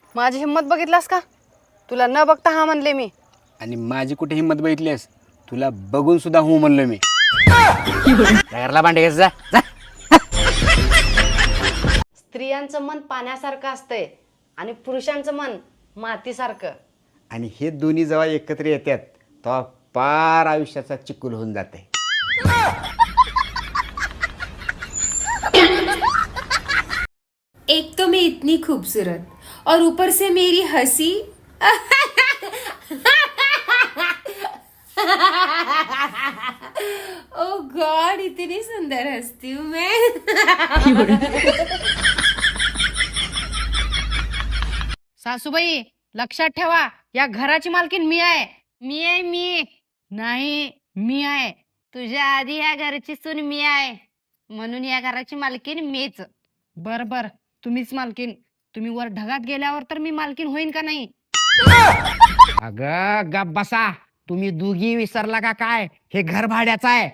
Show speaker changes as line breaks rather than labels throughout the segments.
माझी हिंमत बघितलास का? तुला न बघता हा म्हणले मी.
आणि माझी कुठे हिंमत बघितलीस? तुला बघून सुद्धा हो म्हणलो मी. घरला भांडे घ्यायचं जा जा.
स्त्रियांचं मन पाण्यासारखं असतंय आणि पुरुषांचं मन मातीसारखं.
आणि हे दोन्ही जेव्हा एकत्र येतात तेव्हा पार आयुष्याचा चिकुल होऊन जाते.
एक तो मैं इतनी खूबसूरत और ऊपर से मेरी हंसी. ओ गॉड, इतनी सुंदर हंसती हूँ मैं.
सासूबाई लक्षात ठेवा, या घराची मालकीन मी आहे. मी नाही, मी आहे. तुझ्या आधी या घराची सून मी आहे, म्हणून या घराची मालकीन मीच. बर तुम्हीच मालकीन. तुम्ही वर ढगात गेल्यावर तर मी मालकीन होईन का नाही?
अगं गप बसा. तुम्ही दोघी विसरला का काय? हे घर भाड्याचं आहे.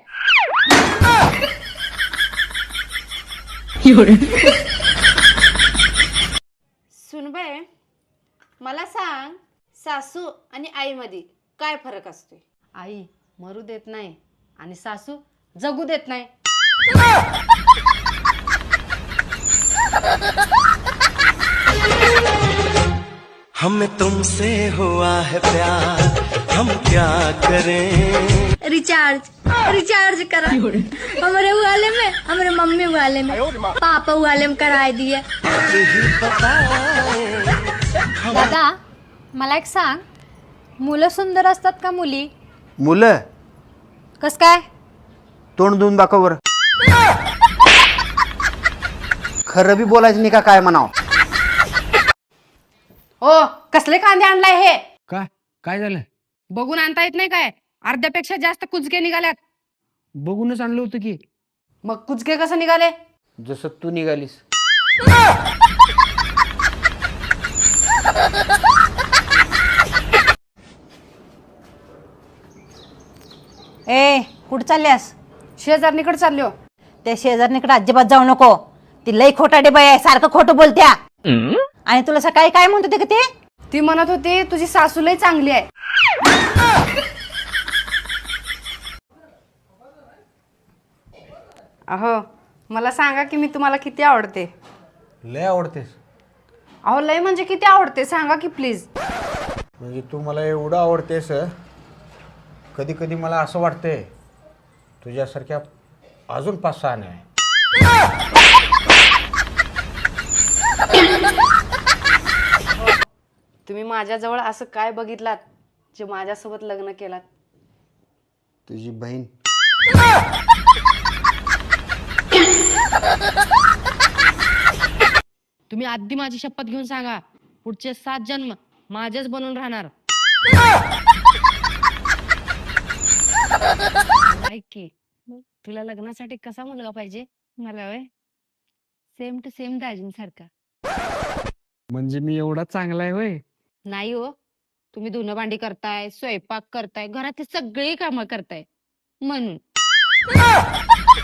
सुनबाई, मला सांग, सासू आणि आईमध्ये काय फरक असतो? आई मरू देत नाही आणि सासू जगू देत नाही.
हमें तुमसे हुआ है प्यार, हम क्या करें.
रिचार्ज करा. हमारे वाले में, हमारे मम्मी वाले में, पापा वाले में कराए दिए.
दादा, मला एक सांग, मुलं सुंदर असतात का मुली?
मुलं
कस काय?
तोंड देऊन दाखव बरं. खरं बी बोलायचं नाही का काय म्हणाव?
हो, कसले कांदे आणलाय हे?
काय झालं?
बघून आणता येत नाही काय? अर्ध्यापेक्षा जास्त कुचके निघाल्यात.
बघूनच आणलं होतं की.
मग कुचके कसं निघाले?
जसं तू निघालीस.
ए, कुठं चालल्यास?
शेजारणीकडे चाललो.
त्या शेजारणीकडे अजिबात जाऊ नको. ती लई खोटाडे बाई आहे, सारखं खोटं बोलत्या. आणि तुला सकाळी काय म्हणत होते का ते?
ती म्हणत होती तुझी सासू लई चांगली आहे. अहो, मला सांगा की मी तुम्हाला किती आवडते?
लय आवडतेस.
अहो लय म्हणजे किती आवडते सांगा की प्लीज.
म्हणजे तू मला एवढं आवडतेस, कधी कधी मला असं वाटतंय तुझ्यासारख्या अजून 5-6 नाही.
तुम्ही माझ्याजवळ असं काय बघितलात जे माझ्यासोबत लग्न केलात?
तुझी बहीण.
तुम्ही आधी माझी शपथ घेऊन सांगा, पुढचे 7 जन्म माझेच बनून राहणार. ऐक की, तुला लग्नासाठी कसा मुलगा पाहिजे? मला वय सेम टू सेम दाजींसारखा.
म्हणजे मी एवढा चांगला आहे होय?
नाही हो, तुम्ही धुणं भांडी करताय, स्वयंपाक करताय, घरातली सगळी कामं करताय म्हणून.